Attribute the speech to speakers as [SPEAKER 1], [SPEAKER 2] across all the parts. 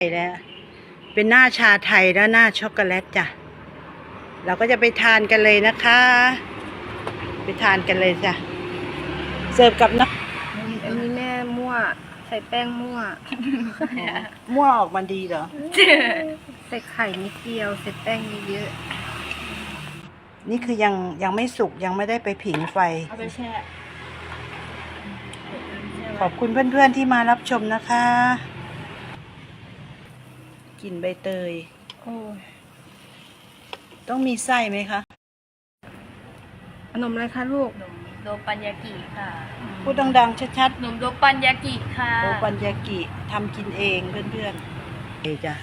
[SPEAKER 1] แล้วเป็นหน้าชาไทยแล้วหน้าช็อกโกแลตจ้ะเราก็จะไปทานกันเลยนะคะไปทานกันเลยจ้ะเสิร์ฟกับน้ำ
[SPEAKER 2] อันนี้แม่มั่วใส่แป้งมั่ว
[SPEAKER 1] มั่วออกมาดีเหรอ
[SPEAKER 2] ใส่ไข่นิดเดียวใส่แป้งเยอะ
[SPEAKER 1] นี่คือยังไม่สุกยังไม่ได้ไปผิงไฟ
[SPEAKER 2] เอาไปแช่
[SPEAKER 1] ขอบคุณเพื่อนๆที่มารับชมนะคะกลิ่นใบเตย
[SPEAKER 2] โอ้ย
[SPEAKER 1] ต้องมีไส้ไหมคะ
[SPEAKER 2] ขนมอะไรคะลูก
[SPEAKER 3] ขนมโดปันยากิค่ะ
[SPEAKER 1] พูดดังๆชัด
[SPEAKER 3] ขนมโดปันยากิค่ะ
[SPEAKER 1] ๆโอปันยากิทำกินเองเพื่อนๆเอจ้ะ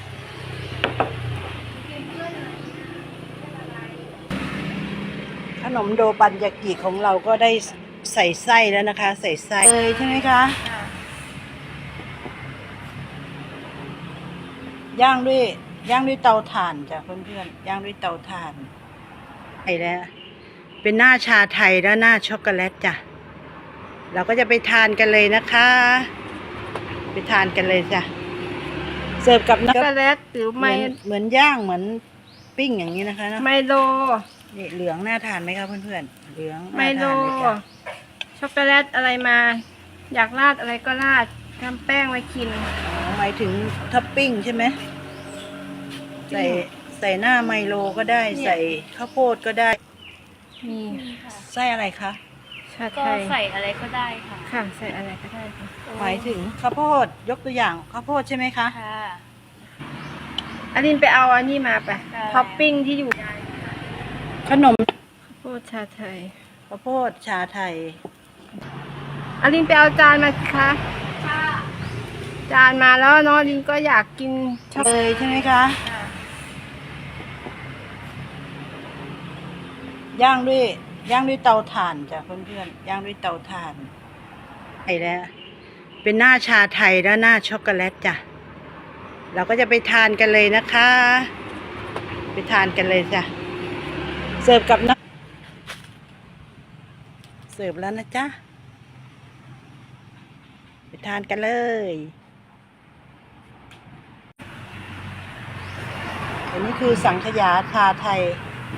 [SPEAKER 1] ขนมโดปันยากิของเราก็ได้ใส่ไส้แล้วนะคะ ใส่ไส้เลยใช่ไหมคะย่างด้วยเตาถ่านจ้ะเพื่อนๆย่างด้วยเตาถ่านไอ้แล้วเป็นหน้าชาไทยแล้วหน้าช็อกโกแลตจ้ะเราก็จะไปทานกันเลยนะคะไปทานกันเลยจ้ะเสิร์ฟกับ
[SPEAKER 2] ช็อกโกแลตหรือ
[SPEAKER 1] เหมือนย่างเหมือนปิ้งอย่างนี้นะคะนะ
[SPEAKER 2] ไมโล
[SPEAKER 1] นี่เหลืองน่าทานไหมคะเพื่อนๆเหลือง
[SPEAKER 2] ไม
[SPEAKER 1] น่า
[SPEAKER 2] โล
[SPEAKER 1] ทานเลยจ้ะ
[SPEAKER 2] ช็อกโกแลตอะไรมา อยากราดอะไรก็ราดทำแป้งไว้กิน
[SPEAKER 1] อ๋อหมายถึงท็อปปิ้งใช่ไหมใส่หน้าไมโลก็ได้
[SPEAKER 2] เนี่ย
[SPEAKER 1] ใส่ข้าวโพดก็ได้
[SPEAKER 2] มี
[SPEAKER 1] ไส้อะไรคะ
[SPEAKER 2] ชา
[SPEAKER 3] ก็
[SPEAKER 2] ไทย
[SPEAKER 3] ใส่อะไรก็ได้ค่ะ
[SPEAKER 2] ค่ะใส่อะไรก็ได้ค่ะ
[SPEAKER 1] หมายถึงข้าวโพดยกตัวอย่างข้าวโพดใช่ไหมคะ
[SPEAKER 3] ค่ะ
[SPEAKER 2] อลินไปเอาอันนี้มาไป
[SPEAKER 3] ได้
[SPEAKER 2] ท็อปปิ้งที่อยู่
[SPEAKER 1] ขนม
[SPEAKER 2] ข้าวโพดชาไทย
[SPEAKER 1] ข้าวโพดชาไทย
[SPEAKER 2] อลินไปเอาจานมาสิคะจานมาแล้วน้องอลินก็อยากกินช็อก
[SPEAKER 1] เลยใช่ไหมคะ
[SPEAKER 3] ค่ะ
[SPEAKER 1] ย่างด้วยเตาถ่านจ้ะเพื่อนๆย่างด้วยเตาถ่านไอ้แล้วเป็นหน้าชาไทยแล้วหน้าช็อกโกแลตจ้ะเราก็จะไปทานกันเลยนะคะไปทานกันเลยจ้ะเสิร์ฟกับน้ำเสิร์ฟแล้วนะจ๊ะไปทานกันเลยอันนี้คือสังขยาชาไทย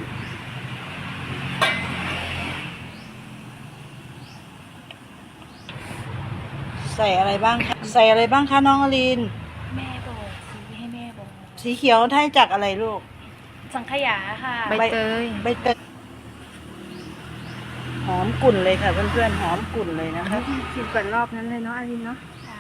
[SPEAKER 1] ใส่อะไรบ้างคะใส่อะไรบ้างคะน้องอลิน
[SPEAKER 3] แม่บอกซื้อให้แม่บอก
[SPEAKER 1] สีเขียวได้จากอะไรลูก
[SPEAKER 3] สังขยาค่ะ
[SPEAKER 2] ใบเตย
[SPEAKER 1] ใบเตยหอมกลุ่นเลยค่ะเพื่อนๆหอมกลุ่นเลยนะคะ
[SPEAKER 2] กินก่อนรอบนั้นเลยเนาะอลินเนาะ
[SPEAKER 3] ค่ะ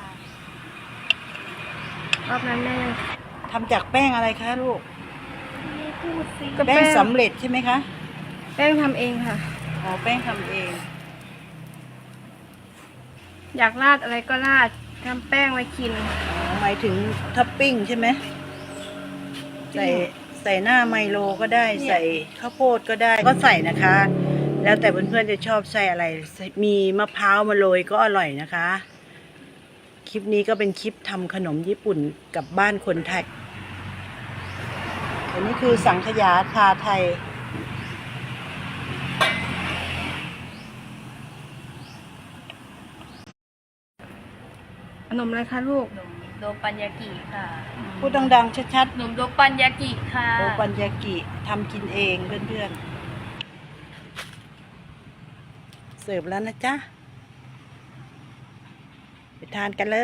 [SPEAKER 2] รอบนั้นแม่
[SPEAKER 1] ทำจากแป้งอะไรคะลูก
[SPEAKER 3] แม่พูดสิ
[SPEAKER 2] ก็
[SPEAKER 1] แป้งสำเร็จใช่ไหมคะ
[SPEAKER 2] แป้งทำเองค่ะ
[SPEAKER 1] อ๋อแป้งทำเอง
[SPEAKER 2] อยากราดอะไรก็ราดทำแป้งไว้กิน
[SPEAKER 1] อ๋อหมายถึงท็อปปิ้งใช่ไหมใส่หน้าไมโลก็ได้
[SPEAKER 2] เนี่ย
[SPEAKER 1] ใส่ข้าวโพดก็ได้ก็ใส่นะคะ แล้วแต่เพื่อนๆจะชอบใส่อะไร มีมะพร้าวมาโรยก็อร่อยนะคะ คลิปนี้ก็เป็นคลิปทำขนมญี่ปุ่นกับบ้านคนไทยอันนี้คือสังขยาชาไทย
[SPEAKER 2] ขนมอะไรคะลูก
[SPEAKER 3] ขนมโดปันยากิค่ะ
[SPEAKER 1] พูดดังๆชัด
[SPEAKER 3] ขนมโดปันยากิค่ะ
[SPEAKER 1] ๆโอปันยากิทำกินเองเพื่อนๆเสิร์ฟแล้วนะจ๊ะไปทานกันเลย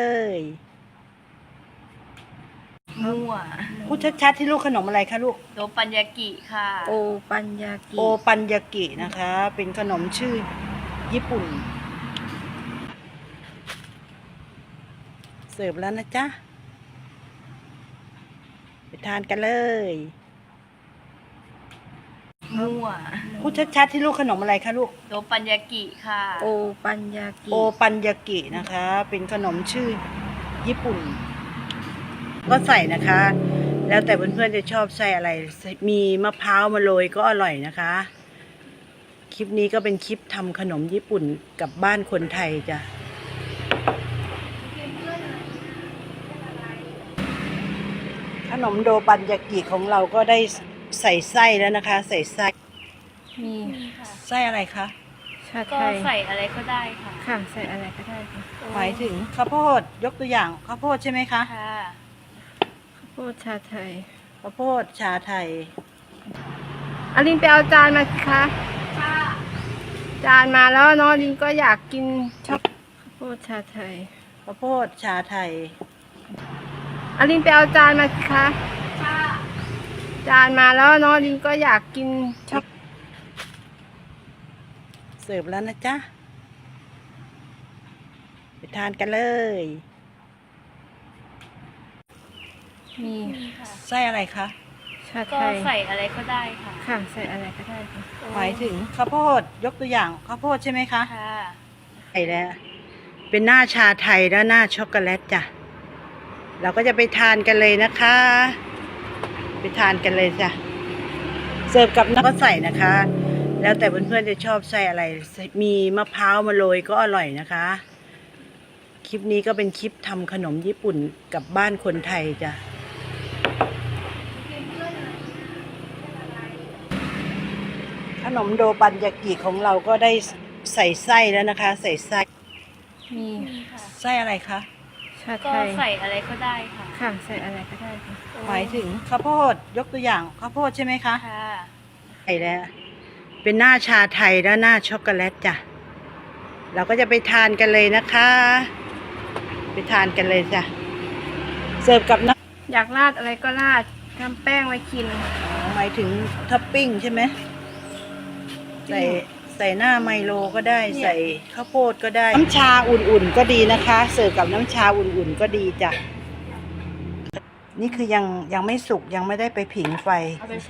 [SPEAKER 3] มั่ว
[SPEAKER 1] พูดชัดๆที่ลูกขนมอะไรคะลูก
[SPEAKER 3] โดปันยากิค่ะ
[SPEAKER 2] โอปัญญากิ
[SPEAKER 1] โอปันยากินะคะ เป็นขนมชื่อญี่ปุ่น เสิร์ฟแล้วนะจ๊ะไปทานกันเลย
[SPEAKER 3] มั่ว
[SPEAKER 1] พูดชัดๆที่ลูกขนมอะไรคะลูก
[SPEAKER 3] โดปันยากิค่ะ
[SPEAKER 2] โอปัญญากิ
[SPEAKER 1] โอปันยากินะคะ เป็นขนมชื่อญี่ปุ่น ก็ใส่นะคะ แล้วแต่เพื่อนๆจะชอบใส่อะไร มีมะพร้าวมาโรยก็อร่อยนะคะ คลิปนี้ก็เป็นคลิปทำขนมญี่ปุ่นกับบ้านคนไทยจ้ะขนมโดปันยากิของเราก็ได้ใส่ไส้แล้วนะคะ ใส่ไส้
[SPEAKER 2] มี
[SPEAKER 3] ค่ะ
[SPEAKER 1] ไส้อะไรคะ
[SPEAKER 2] ชา
[SPEAKER 3] ก็
[SPEAKER 2] ไทย
[SPEAKER 3] ใส่อะไรก็ได้ค่ะ
[SPEAKER 2] ค่ะใส่อะไรก็ได้ค่ะ
[SPEAKER 1] หมายถึงข้าวโพดยกตัวอย่างข้าวโพดใช่ไหมคะ
[SPEAKER 3] ค่ะ
[SPEAKER 2] โพดชาไทย
[SPEAKER 1] ข้าวโพดชาไทย
[SPEAKER 2] อลินไปเอาจานมาสิคะจานมาแล้วน้องอลินก็อยากกินช็อกข้าวโพดชาไทย
[SPEAKER 1] ข้าวโพดชาไทย
[SPEAKER 2] อลินไปเอาจานมาสิคะจานมาแล้วน้องอลินก็อยากกินช็อก
[SPEAKER 1] เสิร์ฟแล้วนะจ๊ะ ไปทานกันเลย
[SPEAKER 2] มี
[SPEAKER 3] ค่ะ
[SPEAKER 1] ไส้อะไรคะ
[SPEAKER 2] ชา
[SPEAKER 3] ก็
[SPEAKER 2] ไทย
[SPEAKER 3] ใส่อะไรก็ได้ค่ะ
[SPEAKER 2] ค่ะใส่อะไรก็ได้ค่ะ
[SPEAKER 1] หมายถึงข้าวโพดยกตัวอย่างข้าวโพดใช่ไหมคะ
[SPEAKER 3] ค่ะ
[SPEAKER 1] ใช่แล้วเป็นหน้าชาไทยแล้วหน้าช็อกโกแลตจ้ะเราก็จะไปทานกันเลยนะคะ ไปทานกันเลยจ้ะเสิร์ฟกับน้ำก็ใส่นะคะ แล้วแต่เพื่อนๆจะชอบใส่อะไร มีมะพร้าวมาโรยก็อร่อยนะคะ คลิปนี้ก็เป็นคลิปทำขนมญี่ปุ่นกับบ้านคนไทยจ้ะขนมโดบันยากิของเราก็ได้ใส่ไส้แล้วนะคะ ใส่ไส้
[SPEAKER 2] มี
[SPEAKER 3] ค่ะ
[SPEAKER 1] ไส้อะไรคะ
[SPEAKER 2] ชา
[SPEAKER 3] ก็
[SPEAKER 2] ไทย
[SPEAKER 3] ใส่อะไรก็ได้ค่ะ
[SPEAKER 2] ค่ะใส่อะไรก็ได้ค่ะ
[SPEAKER 1] หมายถึงข้าวโพดยกตัวอย่างข้าวโพดใช่ไหมคะ
[SPEAKER 3] ค่ะ
[SPEAKER 1] ใช่แล้วเป็นหน้าชาไทยแล้วหน้าช็อกโกแลตจ้ะเราก็จะไปทานกันเลยนะคะ ไปทานกันเลยจ้ะเสิร์ฟกับน้ำ
[SPEAKER 2] อยากราดอะไรก็ราดทำแป้งไว้กิน
[SPEAKER 1] หมายถึงท็อปปิ้งใช่ไหมใส่หน้าไมโลก็ได้ ใส่ข้าวโพดก็ได้ น้ำชาอุ่นๆก็ดีนะคะ เสิร์ฟกับน้ำชาอุ่นๆก็ดีจ้ะนี่คือยังไม่สุกยังไม่ได้ไปผิงไฟ
[SPEAKER 3] เอาไปแช่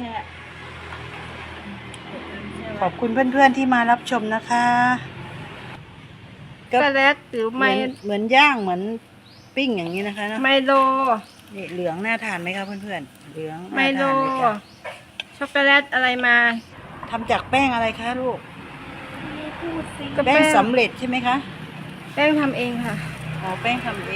[SPEAKER 1] ขอบคุณเพื่อนๆที่มารับชมนะคะ
[SPEAKER 2] ช็อกโกแลตหรือ
[SPEAKER 1] เหมือนย่างเหมือนปิ้งอย่างนี้นะคะเนอะ
[SPEAKER 2] ไมโล
[SPEAKER 1] นี่เหลืองน่าทานไหมคะเพื่อนๆเหลือง
[SPEAKER 2] ไม
[SPEAKER 1] น่า
[SPEAKER 2] โล
[SPEAKER 1] ทานเลยจ้ะ
[SPEAKER 2] ช็อกโกแลตอะไรมา
[SPEAKER 1] ทำจากแป้งอะไรคะลูก
[SPEAKER 3] พูดสิ
[SPEAKER 2] ก็
[SPEAKER 1] แป้งสำเร็จใช่ไหมคะ
[SPEAKER 2] แป้งทำเองค่ะ
[SPEAKER 1] อ๋อแป้งทำเอง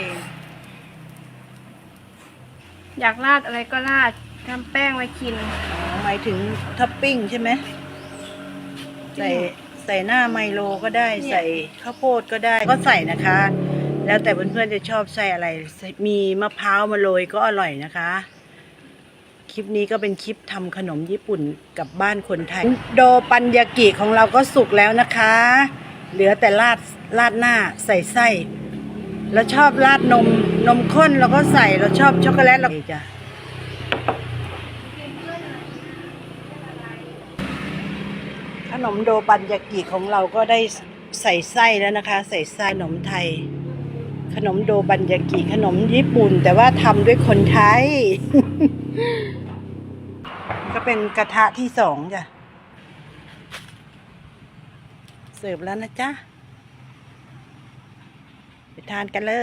[SPEAKER 2] อยากราดอะไรก็ราดทำแป้งไว้กิน
[SPEAKER 1] อ๋อหมายถึงท็อปปิ้งใช่ไหมใส่หน้าไมโลก็ได้ ใส่ข้าวโพดก็ได้ก็ใส่นะคะ แล้วแต่เพื่อนๆจะชอบใส่อะไร มีมะพร้าวมาโรยก็อร่อยนะคะ คลิปนี้ก็เป็นคลิปทำขนมญี่ปุ่นกับบ้านคนไทย โดปันยากิของเราก็สุกแล้วนะคะ เหลือแต่ราดหน้าใส่ไส้เราชอบราดนมข้นเราก็ใส่เราชอบช็อกโกแลตเราจ้ะขนมโดปันยากิของเราก็ได้ใส่ไส้แล้วนะคะ ใส่ไส้ขนมไทย ขนมโดบันยากิขนมญี่ปุ่นแต่ว่าทำด้วยคนไทย ก็เป็นกระทะที่สองจ้ะเสิร์ฟแล้วนะจ๊ะ ไปทานกันเลย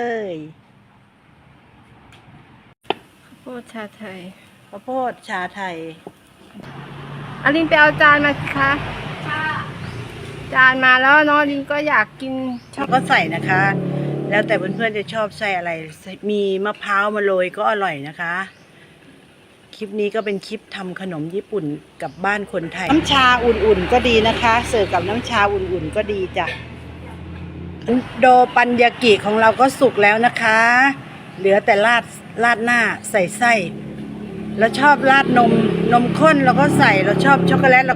[SPEAKER 2] ข้าวโพดชาไทย
[SPEAKER 1] ข้าวโพดชาไทย
[SPEAKER 2] อลินไปเอาจานมาสิคะจานมาแล้วน้องอลินก็อยากกินช็อก
[SPEAKER 1] ก็ใส่นะคะ แล้วแต่เพื่อนๆจะชอบใส่อะไร มีมะพร้าวมาโรยก็อร่อยนะคะ คลิปนี้ก็เป็นคลิปทำขนมญี่ปุ่นกับบ้านคนไทย น้ำชาอุ่นๆก็ดีนะคะ เสิร์ฟกับน้ำชาอุ่นๆก็ดีจ้ะ โดปันยากิของเราก็สุกแล้วนะคะ เหลือแต่ราดหน้าใส่ไส้เราชอบราดนมข้นเราก็ใส่เราชอบช็อกโกแลตเรา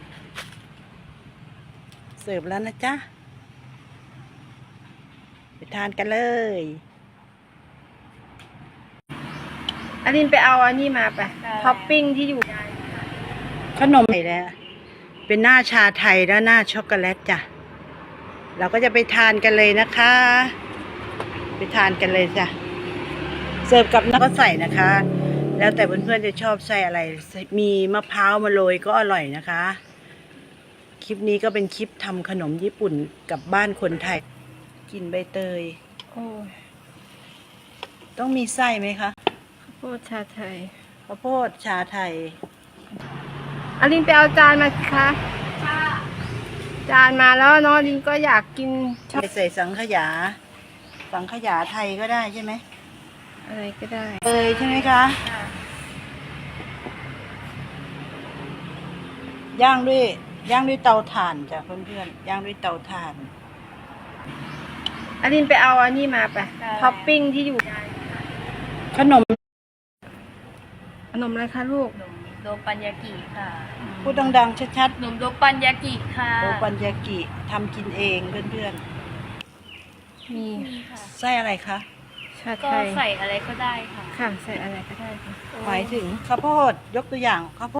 [SPEAKER 1] เสิร์ฟแล้วนะจ๊ะ ไปทานกันเลย
[SPEAKER 2] อลินไปเอาอันนี้มาไปท็อปปิ้งที่อยู่
[SPEAKER 1] ขนมไทยแล้วเป็นหน้าชาไทยแล้วหน้าช็อกโกแลตจ้ะเราก็จะไปทานกันเลยนะคะ ไปทานกันเลยจ้ะเสิร์ฟกับน้ำก็ใส่นะคะ แล้วแต่เพื่อนๆจะชอบใส่อะไร มีมะพร้าวมาโรยก็อร่อยนะคะ คลิปนี้ก็เป็นคลิปทำขนมญี่ปุ่นกับบ้านคนไทย กินใบเตย
[SPEAKER 2] โอ้ย
[SPEAKER 1] ต้องมีไส้ไหมคะ
[SPEAKER 2] ข้าวโพดชาไทย
[SPEAKER 1] ข้าวโพดชาไทย
[SPEAKER 2] อลินไปเอาจานมาสิคะจานมาแล้วน้องอลินก็อยากกินช็อก
[SPEAKER 1] ใส่สังขยาไทยก็ได้ใช่ไหม
[SPEAKER 2] อะไรก็ได้
[SPEAKER 1] ใช่ไหมคะย่างด้วยเตาถ่านจ้ะเพื่อนๆย่างด้วยเตาถ่าน
[SPEAKER 2] อลินไปเอาอันนี้มาไปท็อปปิ้งที่อยู่
[SPEAKER 1] ขนม
[SPEAKER 2] ขนมอะไรคะลูก
[SPEAKER 3] ขนมโดปันยากิค่ะ
[SPEAKER 1] พูดดังๆชัด
[SPEAKER 3] ขนมโดปันยากิค่ะ
[SPEAKER 1] ๆโอปัญญากิทำกินเองเพื่อน
[SPEAKER 2] มี
[SPEAKER 3] มีค่ะ
[SPEAKER 1] ๆไส้อะไรคะ
[SPEAKER 2] ชา
[SPEAKER 3] ก็
[SPEAKER 2] ไทย
[SPEAKER 3] ใส่อะไรก็ได้ค่ะ
[SPEAKER 2] ค่ะ ใส่อะไรก็ได้ค่ะ
[SPEAKER 1] หมายถึงข้าวโพดยกตัวอย่างข้าวโพด